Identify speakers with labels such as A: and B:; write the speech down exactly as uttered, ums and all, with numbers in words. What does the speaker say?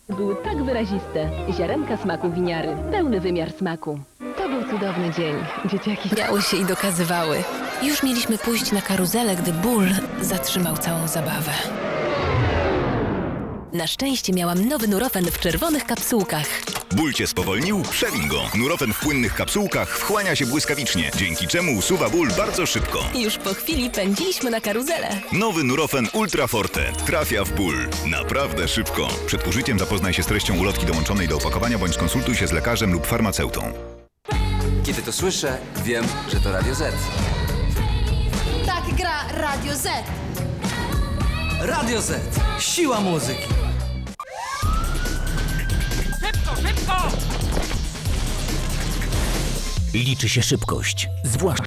A: Były tak wyraziste. Ziarenka smaku winiary. Pełny wymiar smaku. To był cudowny dzień. Dzieciaki
B: Miały się i dokazywały. Już mieliśmy pójść na karuzelę, gdy ból zatrzymał całą zabawę. Na szczęście miałam nowy Nurofen w czerwonych kapsułkach.
C: Ból cię spowolnił? Przewiń go. Nurofen w płynnych kapsułkach wchłania się błyskawicznie, dzięki czemu usuwa ból bardzo szybko.
B: Już po chwili pędziliśmy na karuzelę.
C: Nowy Nurofen Ultra Forte trafia w ból. Naprawdę szybko. Przed użyciem zapoznaj się z treścią ulotki dołączonej do opakowania bądź skonsultuj się z lekarzem lub farmaceutą.
D: Kiedy to słyszę, wiem, że to Radio Z.
E: Tak gra Radio Z.
F: Radio Z. Siła muzyki.
G: Liczy się szybkość, zwłaszcza